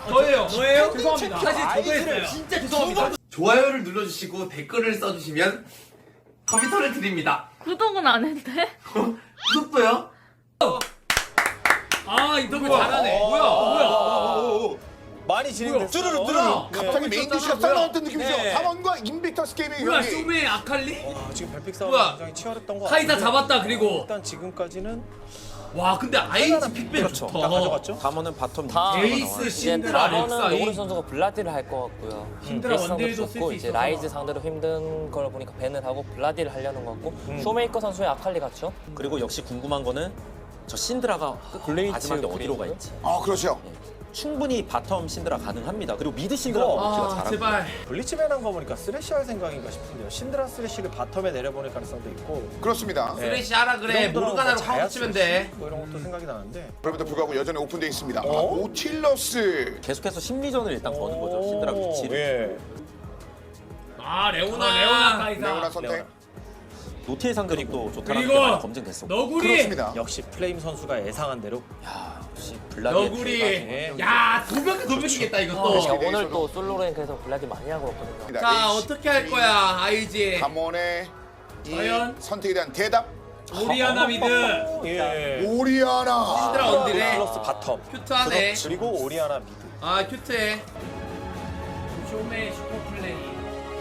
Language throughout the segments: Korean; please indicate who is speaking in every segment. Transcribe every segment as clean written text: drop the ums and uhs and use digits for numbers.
Speaker 1: 저예요.
Speaker 2: 저예요?
Speaker 1: 죄송합니다.
Speaker 2: 사실 저도 했어요.
Speaker 1: 진짜 죄송합니다.
Speaker 3: 좋아요를 눌러주시고 댓글을 써주시면 컴퓨터를 드립니다.
Speaker 4: 구독은 안 했대?
Speaker 3: 구독도요?
Speaker 2: 아 인터뷰 잘하네.
Speaker 1: 뭐야?
Speaker 5: 많이 진행됐어요.
Speaker 1: 뚜루루 뚜루루.
Speaker 6: 갑자기 메인 디시가 싹 나왔던 느낌이죠.
Speaker 5: 네.
Speaker 6: 담원과 인빅터스 게임의
Speaker 2: 뭐야
Speaker 6: 경기.
Speaker 2: 쇼메 아칼리?
Speaker 5: 지금 별픽 싸움
Speaker 2: 뭐야?
Speaker 5: 굉장히 치열했던 것 같아요.
Speaker 2: 카이사 잡았다 그리고.
Speaker 5: 일단 지금까지는
Speaker 2: 와 근데 아이지 픽백
Speaker 5: 그렇죠.
Speaker 2: 좋다.
Speaker 5: 다 가져갔죠.
Speaker 7: 담원은 바텀
Speaker 8: 다
Speaker 2: 에이스
Speaker 8: 이제
Speaker 2: 신드라
Speaker 8: 다음은
Speaker 2: 렉사이.
Speaker 8: 노구리 선수가 블라디를 할 것 같고요.
Speaker 2: 신드라
Speaker 8: 베이스 상대로
Speaker 2: 원딜도 쓸
Speaker 8: 좋고
Speaker 2: 수
Speaker 8: 이제
Speaker 2: 있어서.
Speaker 8: 라이즈 상대로 힘든 걸 보니까 밴을 하고 블라디를 하려는 것 같고 쇼메이커 선수의 아칼리 같죠?
Speaker 7: 그리고 역시 궁금한 거는 저 신드라가
Speaker 8: 블레이즈
Speaker 7: 마지막에 어디로 가
Speaker 8: 그리고요?
Speaker 7: 있지.
Speaker 6: 아 그렇죠.
Speaker 7: 충분히 바텀 신드라 가능합니다. 그리고 미드 신드라가 먹기가
Speaker 2: 아
Speaker 7: 잘하고.
Speaker 2: 제발.
Speaker 5: 블리츠맨 한 거 보니까 쓰레쉬 할 생각인가 싶은데요. 신드라 쓰레쉬를 바텀에 내려보낼 가능성도 있고.
Speaker 6: 그렇습니다.
Speaker 2: 쓰레쉬 하라 그래. 모르가나로 카운터 치면 돼.
Speaker 5: 뭐 이런 것도 생각이 나는데.
Speaker 6: 그럼에도 불구하고 여전히 오픈되어 있습니다. 아,
Speaker 5: 어?
Speaker 6: 오틸러스.
Speaker 7: 계속해서 심리전을 일단 거는 거죠. 신드라 위치를.
Speaker 5: 예.
Speaker 2: 아 레오나 카이사.
Speaker 6: 레오나 선택.
Speaker 5: 레오나.
Speaker 7: 노티의 상대력도 좋다는 게
Speaker 2: 그리고
Speaker 7: 많이 검증됐었고.
Speaker 2: 너구리.
Speaker 6: 그렇습니다.
Speaker 5: 역시 플레임 선수가 예상한 대로.
Speaker 7: 야, 역시 블라디의
Speaker 2: 너구리. 야 도벽이겠다 이것도.
Speaker 8: 제가
Speaker 6: 네,
Speaker 8: 오늘
Speaker 6: 저도.
Speaker 8: 또 솔로 랭크에서 블라디 많이 하고 왔거든요.
Speaker 2: 자 어떻게 할 거야 아이지.
Speaker 6: 담원의 이
Speaker 2: 과연?
Speaker 6: 선택에 대한 대답.
Speaker 2: 오리아나 미드.
Speaker 5: 예.
Speaker 6: 오리아나.
Speaker 2: 신드라 원딜에
Speaker 5: 플러스 바텀.
Speaker 2: 큐트하네.
Speaker 5: 그리고 오리아나 미드.
Speaker 2: 아 큐트해. 쇼메 슈퍼플레이.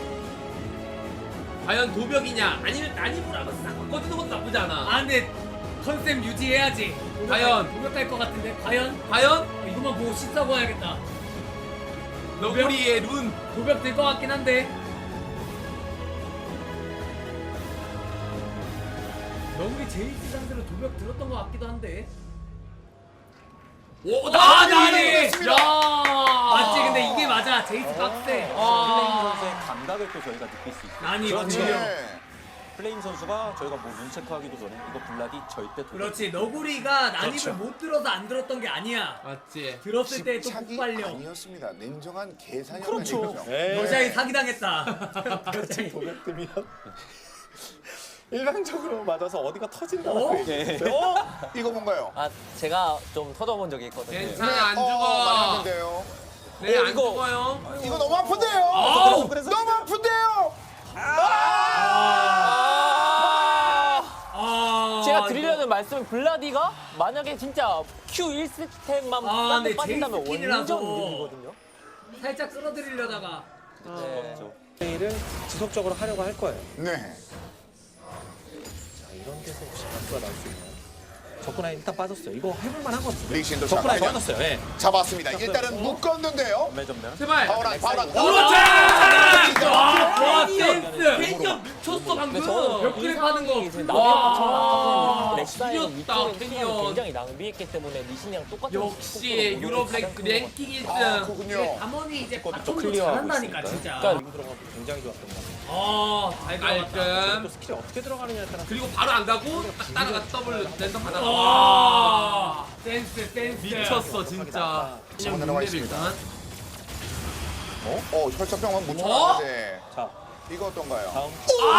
Speaker 2: 과연 도벽이냐 아니면 난이브라고 싹 바꿔주는 것도 나쁘지 않아. 아 근데 컨셉 유지해야지. 과연 도벽할 것 같은데 과연 이것만 보고 씻자고 해야겠다. 너구리의 룬 도벽 될 것 같긴 한데. 너구리 제이스 상대로 도벽 들었던 것 같기도 한데. 오 나니. 야 맞지 근데 이게 맞아 제이스 빡세.
Speaker 7: 플레임 선수의 감각을 또 저희가 느낄 수 있어요.
Speaker 2: 아니
Speaker 5: 그렇지.
Speaker 2: 맞지.
Speaker 6: 네.
Speaker 7: 플레임 선수가 저희가 뭐 눈체크하기도 전에 이거 블라디 절대 도전.
Speaker 2: 그렇지 너구리가 난입을
Speaker 5: 그렇죠.
Speaker 2: 못 들어서 안 들었던 게 아니야. 맞지. 들었을 때 또
Speaker 6: 집착이
Speaker 2: 폭발력.
Speaker 6: 아니었습니다. 냉정한 계산이었던
Speaker 7: 그렇죠.
Speaker 6: 얘기죠.
Speaker 5: 예.
Speaker 2: 여자에 사기당했다.
Speaker 5: 그렇지. 도벽 뜨면 일방적으로 맞아서 어디가 터진다고 얘기했어요.
Speaker 6: 이거 뭔가요?
Speaker 8: 아 제가 좀 터져본 적이 있거든요.
Speaker 2: 괜찮아 안
Speaker 6: 많이
Speaker 2: 죽어.
Speaker 6: 하는데요.
Speaker 2: 네 안
Speaker 8: 이거.
Speaker 2: 죽어요.
Speaker 6: 이거 너무 아픈데요.
Speaker 2: 아우!
Speaker 6: 너무 아픈데요.
Speaker 2: 아
Speaker 8: 제가 드리려는 말씀은 블라디가 만약에 진짜 Q 1스텝만
Speaker 2: 아, 근데
Speaker 8: 빠진다면
Speaker 2: 제이스
Speaker 8: 완전
Speaker 2: 킬이라서.
Speaker 8: 이득이거든요.
Speaker 2: 살짝 끌어들이려다가.
Speaker 8: 네.
Speaker 5: 플레이를 지속적으로 하려고 할 거예요.
Speaker 6: 네.
Speaker 5: 자, 이런 데서 혹시 박수가 나올 수 있나요? 접근에 일단 빠졌어요. 이거 해볼만 하거든요.
Speaker 6: 리신도
Speaker 5: 접근에
Speaker 6: 잡아야
Speaker 5: 빠졌어요. 예.
Speaker 6: 잡았습니다. 일단은 묶었는데요.
Speaker 7: 전멸 전멸.
Speaker 2: 제발.
Speaker 6: 바울한.
Speaker 2: 그렇지. 와 센스. 캐년 미쳤어
Speaker 8: 근데
Speaker 2: 방금.
Speaker 8: 저는
Speaker 2: 벽 그립 하는 거.
Speaker 8: 이제
Speaker 2: 와,
Speaker 8: 나비랑 렉사이랑
Speaker 2: 지렸다,
Speaker 8: 위쪽에
Speaker 2: 캐니언.
Speaker 8: 시간을 굉장히 낭비했기 때문에 리신이랑 똑같은
Speaker 2: 역시
Speaker 8: 속도로
Speaker 2: 유럽
Speaker 8: 가장 큰
Speaker 2: 랭킹 1등.
Speaker 6: 아, 그렇군요.
Speaker 2: 담원이 이제
Speaker 7: 또
Speaker 2: 바텀도
Speaker 7: 클리어하고
Speaker 2: 잘한다니까
Speaker 7: 있으니까요.
Speaker 2: 진짜.
Speaker 8: 그러니까
Speaker 5: 이거 들어가고 굉장히 좋았던 것 같아요.
Speaker 2: 잘 들어갔다.
Speaker 5: 또 스킬이 어떻게 들어가느냐에 따라
Speaker 2: 그리고 바로 안 가고 딱 따라가 더블 랜덤 하다가 와 센스 미쳤어 진짜.
Speaker 6: 지금 내려와 있습니다. 혈착병만 못
Speaker 2: 어?
Speaker 6: 쳐놨는데
Speaker 5: 자,
Speaker 6: 이거 어떤가요?
Speaker 5: 다음.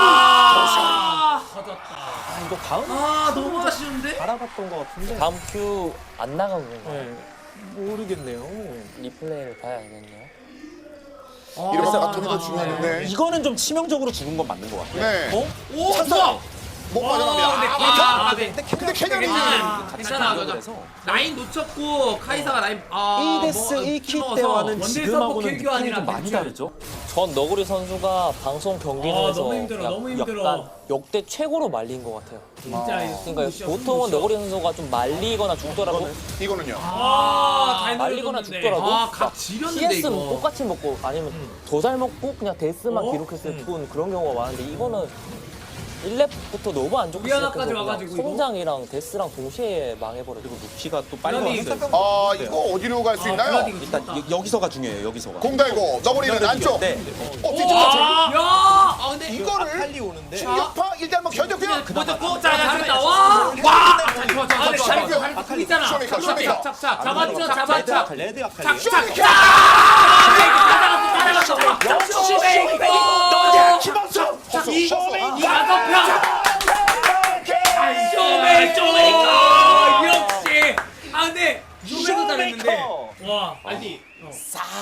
Speaker 2: 터졌다.
Speaker 5: 아, 이거 다음
Speaker 2: 너무 아쉬운데?
Speaker 5: 알아봤던 것 같은데.
Speaker 8: 다음 Q 안 나간 건가요?
Speaker 5: 네. 모르겠네요.
Speaker 8: 리플레이를 봐야겠네요.
Speaker 6: 이러면서 아톰이 더 중요한데.
Speaker 7: 이거는 좀 치명적으로 죽은 건 맞는 것 같아요.
Speaker 6: 네.
Speaker 2: 오 좋아.
Speaker 6: 못 빠져나옵니다. 근데 캐년이
Speaker 2: 괜찮아.
Speaker 7: 그래서
Speaker 2: 라인 놓쳤고 카이사가 라인
Speaker 7: 1데스 1킬 때와는 지금하고는 느낌이 좀 많이 다르죠.
Speaker 8: 전 너구리 선수가 방송 경기에서
Speaker 2: 너무 힘들어, 너무 힘들어.
Speaker 8: 약간 역대 최고로 말린 것 같아요.
Speaker 2: 진짜
Speaker 8: 그러니까 보통은 너구리 선수가 좀 말리거나 죽더라도
Speaker 6: 이거는요.
Speaker 2: 잘
Speaker 8: 말리거나
Speaker 2: 노려줬는데.
Speaker 8: 죽더라도
Speaker 2: 각
Speaker 8: 막
Speaker 2: 지렸는데
Speaker 8: TS는
Speaker 2: 이거.
Speaker 8: 똑같이 먹고 아니면 더 잘 먹고 그냥 데스만
Speaker 2: 어?
Speaker 8: 기록했을 뿐 그런 경우가 많은데 이거는 1렙부터 너무 안 좋게
Speaker 2: 우리하나까지
Speaker 8: 시작해서
Speaker 2: 와가지고
Speaker 8: 그냥 성장이랑 데스랑 동시에 망해버리고
Speaker 7: 루키가 또 빨리
Speaker 2: 블라디.
Speaker 7: 왔어요.
Speaker 6: 이거 어디로 갈 수 있나요?
Speaker 2: 블라디 이거
Speaker 7: 일단
Speaker 2: 죽었다.
Speaker 7: 여기서가 중요해요. 여기서가.
Speaker 6: 공 달고 너구리는 안쪽.
Speaker 7: 네.
Speaker 6: 뒤쪽까지.
Speaker 2: 야! 근데
Speaker 6: 이거를
Speaker 5: 아칼리 오는데.
Speaker 6: 충격파 일단 한번 견뎠고요.
Speaker 2: 그거 잘했다. 와! 와!
Speaker 6: 잘했어요.
Speaker 2: 아칼리 있잖아.
Speaker 6: 쇼메이커.
Speaker 2: 잡았죠.
Speaker 5: 레드 아칼리.
Speaker 6: 쇼메이커.
Speaker 2: 역시. 근데 쇼메이커 잘했는데. 와, 아니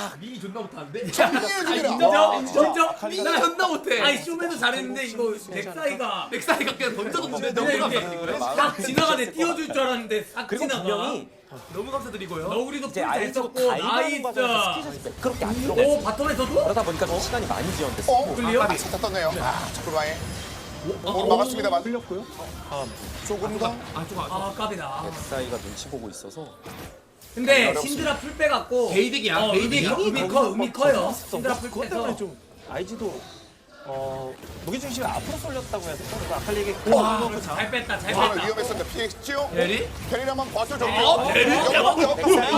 Speaker 3: 민이 존나 못하는데?
Speaker 2: 인정?
Speaker 3: 민이 존나 못해.
Speaker 2: 아니 쇼맨도 잘했는데 이거 넥사이가
Speaker 3: 넥사이가 그냥 던져줬는데 너무
Speaker 2: 그냥 이게
Speaker 3: 감사드리고요.
Speaker 2: 싹 지나가네 띄워줄 줄 알았는데 싹
Speaker 7: 그리고
Speaker 2: 지나가.
Speaker 7: 분명히
Speaker 3: 너무 감사드리고요.
Speaker 2: 너구리도
Speaker 7: 이제
Speaker 2: 풀
Speaker 7: 아이즈가
Speaker 2: 잘했었고
Speaker 7: 가이드하는 과정에서
Speaker 2: 나이스.
Speaker 7: 스키샷이 그렇게 안 들어갔어요.
Speaker 2: 오 바텀에서도?
Speaker 7: 그러다 보니까 좀 시간이 많이 지연됐어.
Speaker 2: 클리어?
Speaker 6: 살짝 떴네요. 자꾸방에 막았습니다만.
Speaker 7: 풀렸고요.
Speaker 6: 조금 더.
Speaker 2: 아 까비다.
Speaker 7: 엑사이가 눈치 보고 있어서
Speaker 2: 근데 신드라 풀 빼갖고
Speaker 3: 베이득이야.
Speaker 2: 베이득이야. 의미 커요. 신드라 풀
Speaker 5: 그것
Speaker 2: 빼서.
Speaker 5: 때문에 좀 IG도 무게중심이 앞으로 쏠렸다고 해야 될까? 그리고 아칼리에게
Speaker 2: 잘 뺐다 잘
Speaker 6: 오늘
Speaker 2: 뺐다.
Speaker 6: 위험했었는데 피했지요.
Speaker 3: 베리?
Speaker 6: 베리 한번 버텨줬고.
Speaker 3: 베리?
Speaker 6: 엑사이가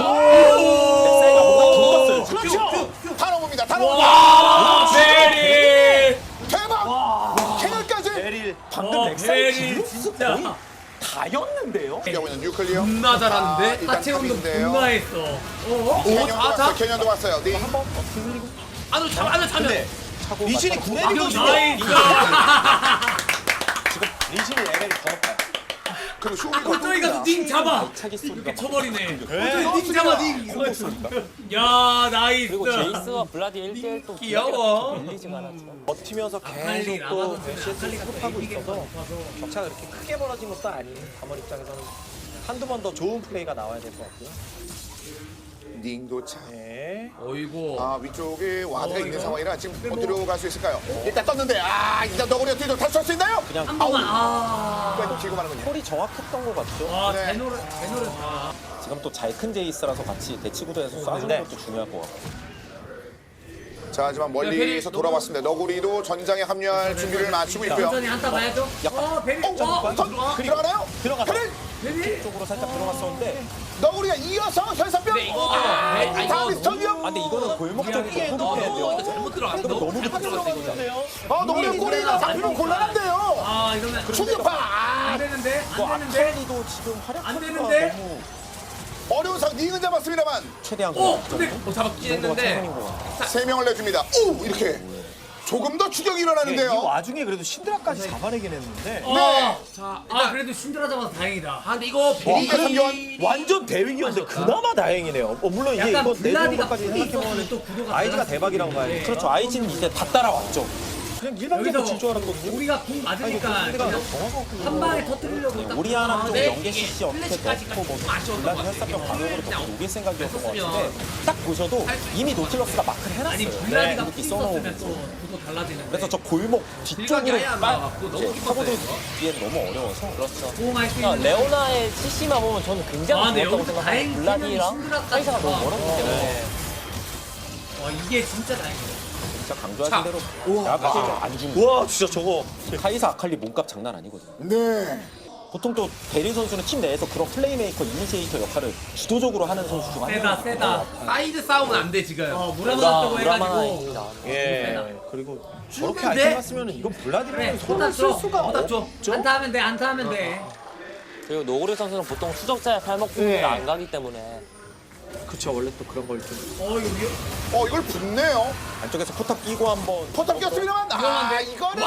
Speaker 7: 뭔가 붙었어요.
Speaker 6: 그렇죠. 다 넘습니다. 다 넘습니다.
Speaker 2: 베리.
Speaker 6: 대박. 캐널까지.
Speaker 5: 베릴
Speaker 7: 방금 엑사이
Speaker 2: 베리
Speaker 7: 기록수
Speaker 2: 진짜.
Speaker 7: 거의 다였는데요.
Speaker 6: 피하고 있는 뉴클리어.
Speaker 3: 존나 잘하는데?
Speaker 6: 일단
Speaker 2: 하체운동
Speaker 6: 탑인데요.
Speaker 2: 존나 했어.
Speaker 6: 캐년도
Speaker 3: 다,
Speaker 6: 왔어요.
Speaker 3: 다?
Speaker 6: 캐년도 왔어요. 네.
Speaker 3: 안으로 차면.
Speaker 7: 차고
Speaker 5: 리신이
Speaker 7: 맞다가
Speaker 5: 구내리거든요.
Speaker 2: 나이스.
Speaker 5: 지금 리신이 레벨이 더 높아요.
Speaker 6: 그리고 쇼미가
Speaker 2: 저기 가서 닝 잡아.
Speaker 7: 차기 소리가
Speaker 2: 이렇게
Speaker 7: 막
Speaker 2: 쳐버리네.
Speaker 5: 네.
Speaker 2: 닝 잡아 닝. 야 나이스.
Speaker 8: 그리고 제이스와 블라디 1대1 또
Speaker 2: 귀여워.
Speaker 8: 밀리지가 않았죠.
Speaker 5: 버티면서
Speaker 2: 아칼리
Speaker 5: 계속 또
Speaker 2: 라마도
Speaker 5: 메시를
Speaker 2: 아칼리가
Speaker 5: 수급하고
Speaker 2: 이기게
Speaker 5: 있어서
Speaker 2: 높아서.
Speaker 5: 격차가 그렇게 크게 벌어진 것도 아닌 담원 입장에서는 한두 번 더 좋은 플레이가 나와야 될 것 같고요.
Speaker 6: 닝도 차.
Speaker 5: 네.
Speaker 2: 어이구.
Speaker 6: 아 위쪽에 와드가 있는
Speaker 2: 이거?
Speaker 6: 상황이라 지금
Speaker 2: 근데 뭐-
Speaker 6: 어디로 갈 수 있을까요? 일단 떴는데 일단 너구리 어떻게 다시 쏠수 있나요?
Speaker 7: 그냥
Speaker 2: 한 번만. 아.
Speaker 6: 왜 지금 하는군요.
Speaker 7: 콜이 정확했던 것 같죠.
Speaker 2: 와
Speaker 6: 네.
Speaker 2: 제노를 다.
Speaker 7: 지금 또 잘 큰 제이스라서 같이 대치 구도에서 쏴주는
Speaker 5: 네.
Speaker 7: 것도 중요할 것 같고.
Speaker 6: 자 하지만 멀리서 돌아왔습니다. 너구리도 전장에 합류할 준비를 마치고 있고요.
Speaker 2: 천천히 한타 봐야죠. 베리.
Speaker 6: 들어가나요?
Speaker 5: 들어가서
Speaker 2: 베리.
Speaker 7: 쪽으로 살짝 들어갔었는데
Speaker 6: 너구리가 이어서 혈사병. 다음 미스터 위험.
Speaker 7: 근데 이거는 골목 쪽이게 호흡해야 돼요.
Speaker 3: 잘못 들어갔어.
Speaker 7: 너무 늦게 들어갔어 이거.
Speaker 6: 너구리 꼬리가 잡히면 곤란한데요.
Speaker 2: 아 이러면
Speaker 6: 충격파.
Speaker 2: 안 되는데. 안 되는데.
Speaker 7: 아칼리도 지금
Speaker 2: 안
Speaker 7: 활약하기가
Speaker 2: 되는데?
Speaker 7: 너무
Speaker 6: 어려운 상황 닝은 잡았습니다만
Speaker 7: 최대한
Speaker 2: 근데
Speaker 3: 잡았긴
Speaker 7: 정도가
Speaker 3: 했는데.
Speaker 7: 최선인 것 같아요.
Speaker 6: 3명을 내줍니다. 오 이렇게 조금 더 추격이
Speaker 5: 이
Speaker 6: 일어나는데요.
Speaker 5: 와중에 그래도 신드라까지 잡아내긴 했는데
Speaker 6: 네.
Speaker 3: 자,
Speaker 2: 그래도 신드라 잡아서 다행이다.
Speaker 3: 근데 이거 베리
Speaker 6: 상교환.
Speaker 5: 완전 대위기였는데 그나마 다행이네요. 물론 이게
Speaker 2: 약간
Speaker 5: 이거
Speaker 2: 블라디가
Speaker 5: 내부까지
Speaker 2: 풀이
Speaker 5: 생각해보면
Speaker 2: 있었으면 또 구도가
Speaker 5: 아이즈가
Speaker 2: 달랐을
Speaker 5: 대박이라고
Speaker 2: 텐데.
Speaker 5: 봐야죠.
Speaker 7: 그렇죠. 아이즈는 이제 다 따라왔죠.
Speaker 5: 그냥 일방적으로 질 줄 알았거든요.
Speaker 2: 우리가 궁 맞으니까
Speaker 5: 상대가
Speaker 2: 그냥
Speaker 5: 정확하고
Speaker 2: 한 방에 터뜨리려고 딱
Speaker 7: 오리아나 쪽
Speaker 3: 네,
Speaker 7: 연계
Speaker 3: 이게
Speaker 7: CC 어떻게
Speaker 3: 플래시까지
Speaker 7: 넣고 뭐
Speaker 3: 아쉬웠던
Speaker 7: 블라디
Speaker 3: 것
Speaker 7: 혈사병
Speaker 3: 같아요.
Speaker 7: 가격으로
Speaker 3: 그냥
Speaker 7: 더 녹일 생각이었던 것
Speaker 3: 했었으면
Speaker 7: 같은데 딱 보셔도 이미 노틸러스가 마크를
Speaker 2: 아니
Speaker 7: 해놨어요.
Speaker 2: 블라디가
Speaker 7: 이렇게
Speaker 2: 풀이
Speaker 7: 써놓으면서.
Speaker 2: 있었으면 또 구도 달라지는데.
Speaker 7: 그래서 저 골목 뒤쪽으로
Speaker 3: 딜각이 아예 안
Speaker 7: 빨
Speaker 3: 나와갖고 너무
Speaker 7: 이제
Speaker 3: 깊었어요,
Speaker 7: 파고들
Speaker 3: 이거.
Speaker 7: 뒤엔 너무 어려워서
Speaker 8: 그렇죠.
Speaker 2: 호응할 수
Speaker 8: 그러니까
Speaker 2: 있는.
Speaker 8: 레오나의 CC만 보면 저는 굉장히
Speaker 2: 근데
Speaker 8: 좋았다고
Speaker 2: 여기서
Speaker 8: 생각해요.
Speaker 2: 다행히
Speaker 8: 블라디랑
Speaker 2: 신드라까지
Speaker 8: 사이즈가 너무
Speaker 2: 잡아.
Speaker 8: 멀었기 때문에.
Speaker 2: 와 이게 진짜 다행이다.
Speaker 7: 진짜 강조하신 대로 아까 안 주는
Speaker 5: 와 진짜 저거
Speaker 7: 카이사 아칼리 몸값 장난 아니거든요.
Speaker 6: 네.
Speaker 7: 보통 또 베리 선수는 팀 내에서 그런 플레이메이커, 이니시에이터 역할을 주도적으로 하는 선수 중 한
Speaker 2: 세다
Speaker 7: 명이거든요.
Speaker 2: 세다.
Speaker 3: 사이드 싸움은 안 돼 지금.
Speaker 2: 무라무라다고
Speaker 8: 무라마나
Speaker 2: 해가지고.
Speaker 8: 얘기다.
Speaker 5: 예 그리고 저렇게
Speaker 3: 죽는데?
Speaker 5: 아이템 갔으면 이건
Speaker 2: 그래
Speaker 5: 블라디를
Speaker 2: 손
Speaker 5: 손을 쓸
Speaker 2: 줘.
Speaker 5: 수가
Speaker 3: 줘.
Speaker 5: 없죠.
Speaker 2: 안타 하면 돼 안타 하면 돼.
Speaker 8: 그리고 노구리 선수는 보통 추적자의 팔목구를 안 가기 때문에
Speaker 5: 그쵸 원래 또 그런 걸좀
Speaker 2: 여기.
Speaker 6: 이걸 붙네요.
Speaker 7: 안쪽에서 포탑 끼고 한번
Speaker 6: 포탑 꼈습니다만 이거는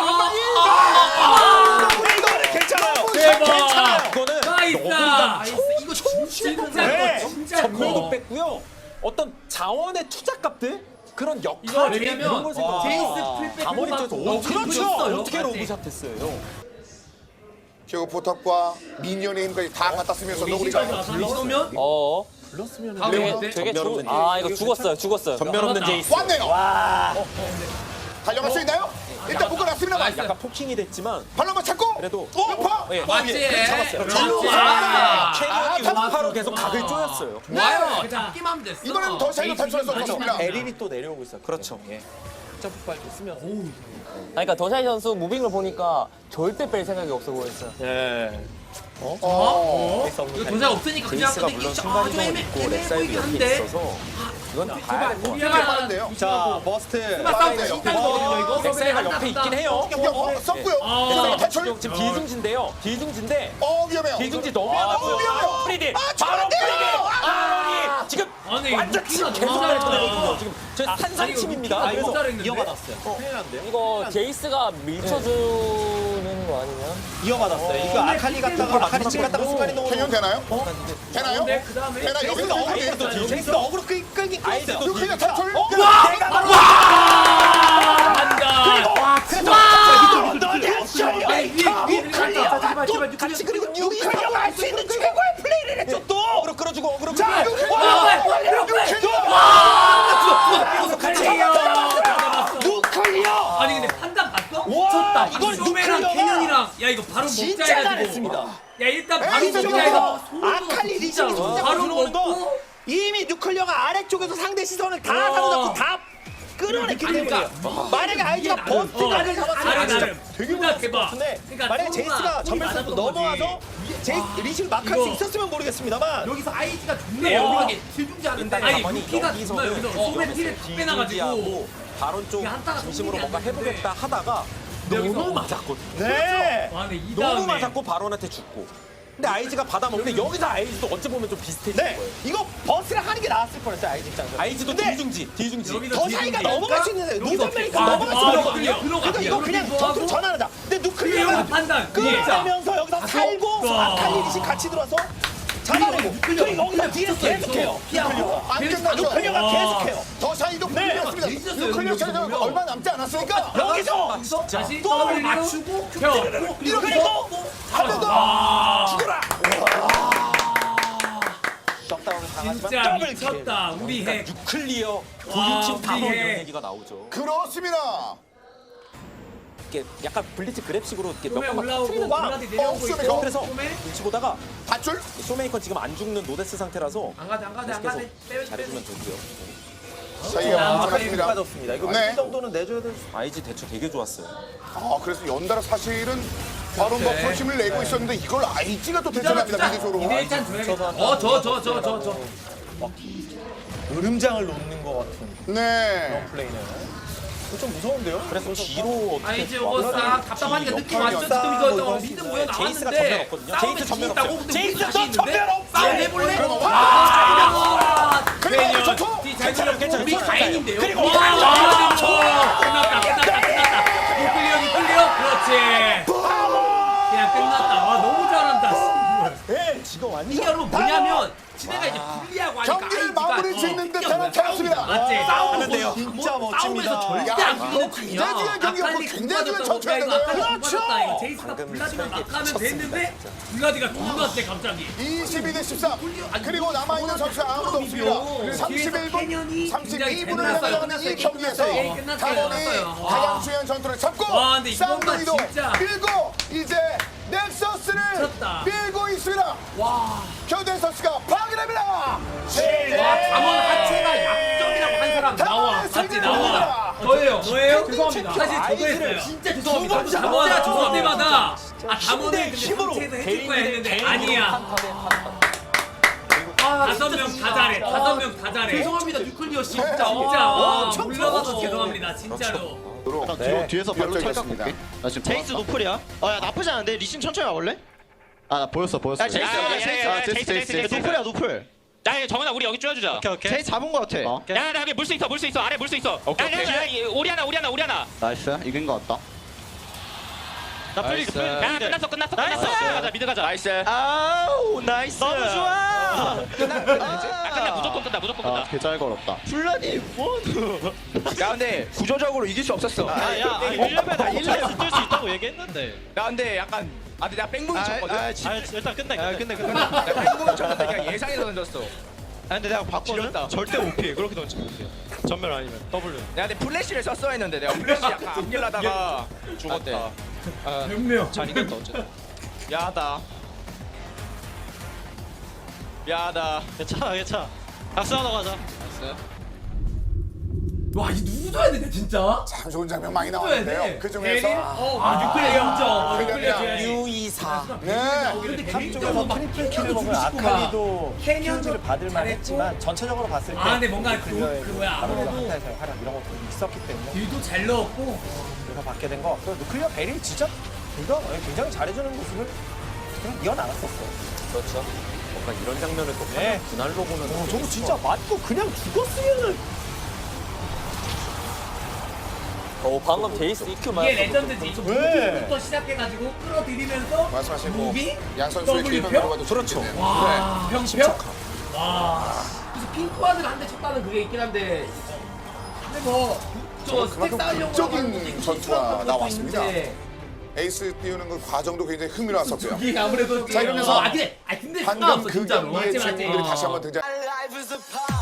Speaker 5: 이거는 괜찮아요.
Speaker 2: 대박.
Speaker 7: 그거는
Speaker 2: 나이스.
Speaker 3: 이거 진짜
Speaker 2: 진짜 커. 진짜
Speaker 7: 전멸도
Speaker 2: 커.
Speaker 7: 뺐고요. 어떤 자원의 투자값들 그런
Speaker 2: 이거
Speaker 7: 역할
Speaker 2: 왜냐면
Speaker 7: 이런 걸 생각.
Speaker 2: 제이스 풀백
Speaker 7: 아무리
Speaker 2: 뽑았고
Speaker 7: 쪄도
Speaker 2: 너무
Speaker 7: 그렇죠.
Speaker 2: 했어요.
Speaker 7: 어떻게
Speaker 2: 맞지?
Speaker 7: 로브샷했어요.
Speaker 6: 결국 포탑과 미니언의 힘까지 다 갖다 쓰면서 너구리가
Speaker 2: 불러오면
Speaker 5: 불렀으면
Speaker 8: 되게
Speaker 7: 전멸 없는
Speaker 8: 이거 죽었어요.
Speaker 7: 전멸 없는 제이스.
Speaker 6: 왔네요. 달려갈 수 있나요? 일단 묶어놨습니다만
Speaker 7: 약간 포킹이 됐지만
Speaker 6: 발로 찾고
Speaker 7: 그래도
Speaker 6: 음파.
Speaker 7: 예,
Speaker 3: 맞지?
Speaker 7: 잡았어요. 캐년이 음파로 계속 각을 쪼였어요.
Speaker 3: 좋아요.
Speaker 2: 네.
Speaker 3: 잡기만 하면 됐어.
Speaker 6: 이번에는 더 샤이로 탈출할 수 없습니다.
Speaker 5: 에린이 또 내려오고 있어요.
Speaker 7: 그렇죠.
Speaker 5: 예. 점프 발도 쓰면서.
Speaker 8: 그러니까 더샤이 선수 무빙을 보니까 절대 뺄 생각이 없어 보였어요.
Speaker 5: 예.
Speaker 3: 이거 도장 없으니까 그냥
Speaker 7: 제이스가
Speaker 3: 근데
Speaker 7: 물론
Speaker 3: 이게
Speaker 7: 순간이동을 있고 렉사이드 옆에
Speaker 3: 한데.
Speaker 7: 있어서 이건 다 봐야 될것 같아요.
Speaker 6: 하는데요.
Speaker 5: 자 버스트.
Speaker 3: 싸움 진짜 거든요 이거.
Speaker 7: 렉사이가 옆에 있긴 해요.
Speaker 6: 썼고요.
Speaker 7: 렉사이가
Speaker 6: 탈출.
Speaker 7: 지금 뒤중진데요. 뒤중진데
Speaker 6: 위험해요.
Speaker 7: 뒤중지 너무 하다고요.
Speaker 6: 위험해요.
Speaker 7: 프리딜 바로 프리딜 아론이 지금
Speaker 2: 아니 근데
Speaker 5: 완전
Speaker 2: 루키가
Speaker 5: 계속
Speaker 2: 너무
Speaker 5: 잘했거든요.
Speaker 7: 지금 저 산상침입니다.
Speaker 2: 아니,
Speaker 7: 그래서
Speaker 2: 잘했는데?
Speaker 5: 이어받았어요. 큰일 났는데요?
Speaker 8: 이거 제이스가 밀쳐주는 거 아니면?
Speaker 5: 이어받았어요. 이거 아칼리 갔다가 아칼리 집 갔다가 순간이 너무
Speaker 6: 캐년 되나요? 되나요?
Speaker 2: 근데 그 다음에
Speaker 6: 되나 여기서 어그로 돼.
Speaker 5: 제이스가 어그로 끌긴 끌었어요.
Speaker 6: 루크리아 탈출.
Speaker 5: 내가 바로
Speaker 2: 간다.
Speaker 5: 너네 쇼 같이 그리고 뉴이스가 할 수 있는 최고의 플레이를 했죠 또. 어그로 끌어주고 어그로 끌어주고. 누클리어.
Speaker 2: 아니 근데 판단 봤어?
Speaker 5: 와,
Speaker 2: 이걸
Speaker 5: 이걸
Speaker 2: 쇼메랑
Speaker 5: 누클리어가
Speaker 2: 캐년이랑 야 이거 바로 먹자
Speaker 5: 진짜
Speaker 2: 해가지고
Speaker 5: 잘했습니다.
Speaker 2: 야 일단 바로
Speaker 6: 에이스
Speaker 2: 먹자
Speaker 6: 중에서
Speaker 2: 해서
Speaker 5: 아칼리 리신이 손잡고
Speaker 2: 바로
Speaker 5: 들어오는 거
Speaker 2: 먹고
Speaker 5: 이미 누클리어가 아래쪽에서 상대 시선을 다
Speaker 2: 어.
Speaker 5: 사로잡고 다 끌어냈기
Speaker 2: 아니,
Speaker 5: 때문에
Speaker 2: 그러니까
Speaker 5: 만약에 아이즈가
Speaker 2: 나름,
Speaker 5: 버스트가 를 잡았으면
Speaker 2: 나름,
Speaker 5: 진짜
Speaker 2: 나름.
Speaker 5: 되게
Speaker 2: 진짜
Speaker 5: 무서웠을 것
Speaker 2: 대박.
Speaker 5: 같은데
Speaker 2: 그러니까
Speaker 5: 만약에
Speaker 2: 조금만
Speaker 5: 제이스가
Speaker 2: 골이
Speaker 5: 전멸
Speaker 2: 많았던
Speaker 5: 선수 넘어와서 리신을 막할 수
Speaker 2: 이거.
Speaker 5: 있었으면 모르겠습니다만
Speaker 3: 여기서 아이지가 존나
Speaker 2: 네,
Speaker 3: 영하게 질중지 않은데
Speaker 2: 아니
Speaker 7: 가만히
Speaker 2: 루키가 정말
Speaker 7: 여기서는
Speaker 2: 여기서 소매 피를 다 빼놔가지고
Speaker 7: 바론 쪽
Speaker 2: 이게 한타가
Speaker 7: 중심으로
Speaker 2: 성공이
Speaker 7: 뭔가
Speaker 2: 안 됐는데.
Speaker 7: 해보겠다 하다가
Speaker 2: 여기서
Speaker 7: 너무 맞았거든.
Speaker 5: 네.
Speaker 2: 와 근데 이
Speaker 7: 너무
Speaker 2: 다음에
Speaker 7: 맞았고 바론한테 죽고. 근데 아이즈가 받아먹는데 여기서 아이즈도 어찌 보면 좀 비슷해진
Speaker 5: 네.
Speaker 7: 거예요.
Speaker 5: 이거 버스를 하는 게 나았을 뻔했어요 아이즈 입장에서.
Speaker 7: 아이즈도
Speaker 5: 근데
Speaker 7: 뒤중지.
Speaker 2: 여기서
Speaker 5: 더 사이가
Speaker 2: 뒤집기.
Speaker 5: 넘어갈 수 있는데
Speaker 2: 여기서
Speaker 5: 노전메이커
Speaker 2: 아,
Speaker 5: 넘어갈 수
Speaker 2: 아,
Speaker 5: 있거든요.
Speaker 2: 들어가.
Speaker 5: 그러니까 이거 그냥
Speaker 2: 들어가고.
Speaker 5: 전투를 전환하자. 근데 누클리어가
Speaker 2: 클리어가 판단.
Speaker 5: 끌어내면서 여기서 살고
Speaker 2: 와.
Speaker 5: 아칼리 리신 같이 들어와서 잡아내고 그리고 여기서 뒤에서 계속해요.
Speaker 6: 안 끝났죠.
Speaker 5: 누클리어가 계속해요.
Speaker 6: 더 사이도
Speaker 5: 네.
Speaker 6: 풀렸습니다.
Speaker 2: 있었어요,
Speaker 6: 루크리아
Speaker 2: 여기서
Speaker 6: 차례가
Speaker 2: 보면.
Speaker 6: 얼마 남지 않았으니까
Speaker 5: 여기서
Speaker 2: 다시
Speaker 5: 또
Speaker 2: 더블
Speaker 5: 맞추고
Speaker 2: 맞추고 펴
Speaker 5: 그리고 한 번 더
Speaker 2: 아
Speaker 5: 죽어라. 넉다운을 당하지만
Speaker 2: 진짜
Speaker 5: 더블
Speaker 2: 미쳤다 우리 핵
Speaker 7: 뉴클리어
Speaker 2: 와,
Speaker 7: 고유팀 다원
Speaker 2: 우리
Speaker 7: 이런
Speaker 2: 해.
Speaker 7: 얘기가 나오죠.
Speaker 6: 그렇습니다.
Speaker 7: 이렇게 약간 블리츠 그랩식으로 이렇게 몇
Speaker 2: 쇼메
Speaker 7: 번만
Speaker 2: 올라오고
Speaker 7: 터트리는 거야.
Speaker 2: 블라디 내려오고
Speaker 6: 쇼메
Speaker 2: 있고
Speaker 7: 그래서
Speaker 2: 쇼메
Speaker 7: 눈치 보다가
Speaker 6: 밧줄?
Speaker 7: 쇼메이컨 지금 안 죽는 노데스 상태라서
Speaker 3: 안 가대 안 가대 안
Speaker 7: 계속
Speaker 3: 가대 빼빼
Speaker 7: 잘해주면 되고요.
Speaker 6: 사이가
Speaker 2: 아,
Speaker 6: 많습니다.
Speaker 5: 빠졌습니다. 이거
Speaker 6: 네.
Speaker 5: 이 정도는 내줘야 될 수.
Speaker 7: 아이즈 대처 되게 좋았어요.
Speaker 6: 아 그래서 연달아 사실은 바로 버프로 힘을 내고 있었는데 이걸 아이지가 또 대처합니다 미드쇼로.
Speaker 2: 이대일찬 줘야겠다
Speaker 3: 어저저저저저
Speaker 5: 으름장을 놓는 것 같은
Speaker 6: 네.
Speaker 5: 그런 플레이는. 이거 좀 무서운데요?
Speaker 7: 그래서 뒤로 어떻게
Speaker 3: 아이지 이거 싹 답답하니까 느낌 왔죠 지금
Speaker 5: 역할이
Speaker 3: 이거
Speaker 5: 없다.
Speaker 3: 미드 모여
Speaker 7: 제이스가
Speaker 3: 나왔는데
Speaker 7: 전멸 없거든요.
Speaker 3: 싸움에
Speaker 7: 제이스 전멸
Speaker 3: 있다고
Speaker 7: 없어요.
Speaker 3: 근데
Speaker 5: 제이스
Speaker 3: 우리
Speaker 5: 너
Speaker 3: 자신
Speaker 5: 전멸
Speaker 3: 있는데
Speaker 5: 없어.
Speaker 3: 싸움 해볼래?
Speaker 6: 그리고 전투.
Speaker 2: 괜찮아 괜찮아
Speaker 3: 우리 가인인데요
Speaker 5: 그리고
Speaker 2: 와 끝났다 누클리어 그렇지 그냥 끝났다 와 너무 잘한다
Speaker 5: 네, 지금 완전
Speaker 3: 이게 여러분 뭐냐면 지네가 이제 불리하고 하니까
Speaker 6: 경기를 마무리 짓는 듯한 캐럿입니다.
Speaker 2: 맞지
Speaker 5: 싸우는데요. 진짜 멋집니다.
Speaker 3: 싸움에서 절대
Speaker 6: 야,
Speaker 3: 안
Speaker 6: 이거
Speaker 3: 비는
Speaker 6: 굉장히 중요한 경기였고 굉장히 중요한 전투였는데
Speaker 2: 그렇죠 제이스가 블라디만 막 하면 됐는데 블라디가 존나 세 갑자기
Speaker 6: 22대 13 그리고 남아있는 선수가 아무도 없습니다. 31분 32분을 남겨놓은 이 경기에서 가본이 가장 중요한 전투를 잡고
Speaker 2: 와, 근데 이거만
Speaker 6: 쌍둥이도
Speaker 2: 진짜.
Speaker 6: 밀고 이제 넥서스를
Speaker 2: 미쳤다.
Speaker 6: 밀고 있습니다. 교대 선수가 파괴됩니다.
Speaker 3: 담원 하체가 약점이라고 한 사람 나와
Speaker 2: 맞지 나와
Speaker 3: 저예요
Speaker 2: 저예요?
Speaker 3: 죄송합니다
Speaker 2: 사실 저도 했어요
Speaker 3: 진짜 죄송합니다
Speaker 2: 진짜 저 때마다 아 담원은 근데 상체에서 해줄 거야 했는데 아니야 다섯 명 다 잘해 다섯 명 다 잘해
Speaker 3: 죄송합니다 뉴클리어 씨 진짜
Speaker 2: 진짜 와
Speaker 5: 엄청
Speaker 2: 물러가서
Speaker 5: 좋았어.
Speaker 2: 죄송합니다 진짜로
Speaker 6: 뒤에서 발로 찰각볼게.
Speaker 4: 제이스 노플이야? 야 나쁘지 않은데 리신 천천히 와볼래?
Speaker 1: 나 보였어.
Speaker 4: 야 제이스 노플이야 노플.
Speaker 9: 야 정원아 우리 여기 쪼여주자.
Speaker 4: 제이스 잡은 거 같아.
Speaker 9: 야 여기 물 수 있어 아래 물 수 있어. 야 오리아나.
Speaker 1: 나이스. 이긴 거 같다.
Speaker 9: 야 끝났어. 가자 미드 가자. 나이스.
Speaker 4: 아우 나이스. 너무 좋아.
Speaker 9: 끝나 무조건 끝나.
Speaker 1: 개잘 걸었다.
Speaker 4: 플라니 원. 야 근데 구조적으로 이길 수 없었어.
Speaker 9: 야 1레벨 1레벨 뜰수 있다고 얘기했는데.
Speaker 4: 야 근데 약간 근데 내가 뺑붕이 쳤거든.
Speaker 9: 일단 끝내.
Speaker 4: 내가 뺑붕이 쳤는데 그냥 예상해서 던졌어. 근데 내가 바꿨거든. 절대 못 피해. 그렇게 던지면 못 피해.
Speaker 9: 전멸 아니면 W.
Speaker 4: 내가 근데 플래시를 썼어야 했는데 내가 플래시 약간 앞길라다가 죽었대.
Speaker 2: 몇명
Speaker 4: 잘 이겼다 어쨌든. 야하다.
Speaker 9: 괜찮아. 박수하러 가자.
Speaker 3: 와 이거 누구도 했는데 진짜
Speaker 6: 참 좋은 장면 많이 나왔는데요. 그 중에서
Speaker 2: 뉴클리어 인정 뉴클리어
Speaker 6: 그러면
Speaker 5: 유이사.
Speaker 6: 네.
Speaker 2: 근데
Speaker 5: 한쪽에서 트리플 킬을 먹은 아칼리도 키우지를 받을 만했지만 전체적으로 봤을 때
Speaker 2: 아 근데 뭔가 그 뭐야
Speaker 5: 아무래도
Speaker 2: 아무래도
Speaker 5: 한타에서의 활약 이런 것도 있었기 때문에
Speaker 2: 딜도 잘 넣었고
Speaker 5: 그래서 받게 된 것 같고 누클리어 베리 진짜 둘다 굉장히 잘해주는 모습을 그냥 이어나갔었어요.
Speaker 8: 그렇죠.
Speaker 7: 약간 이런 장면을 또
Speaker 5: 네.
Speaker 7: 분할로 보면
Speaker 5: 저거 진짜 맞고 그냥 죽었으면은
Speaker 8: 방금 제이스 EQ
Speaker 2: 이게
Speaker 8: 맞았어.
Speaker 2: 레전드지.
Speaker 5: 네.
Speaker 2: 부터 시작해가지고 끌어들이면서
Speaker 6: 말씀하신
Speaker 2: 무비
Speaker 6: 양 선수의
Speaker 2: W
Speaker 6: 기회만
Speaker 2: 표?
Speaker 6: 들어가도
Speaker 5: 그렇죠.
Speaker 6: 좋겠네요.
Speaker 2: 와, 병평? 와. 그래서 핑크와드를 한 대 쳤다는 그게 있긴 한데. 근데 뭐, 저 스택
Speaker 6: 그만큼
Speaker 2: 쌓으려고
Speaker 6: 극적인
Speaker 2: 하는 것도 있고
Speaker 6: 전투가
Speaker 2: 시끄러운 것도
Speaker 6: 나왔습니다.
Speaker 2: 있는데
Speaker 6: 에이스 띄우는 그 과정도 굉장히 흥미로웠었고요.
Speaker 2: 이게 아무래도
Speaker 6: 자, 이러면서
Speaker 2: 근데
Speaker 6: 방금
Speaker 2: 상관없어
Speaker 6: 그
Speaker 2: 진짜로.
Speaker 6: 경기의
Speaker 2: 맞지, 맞지.
Speaker 6: 주인공들이 다시 한번 등장.
Speaker 10: My life is a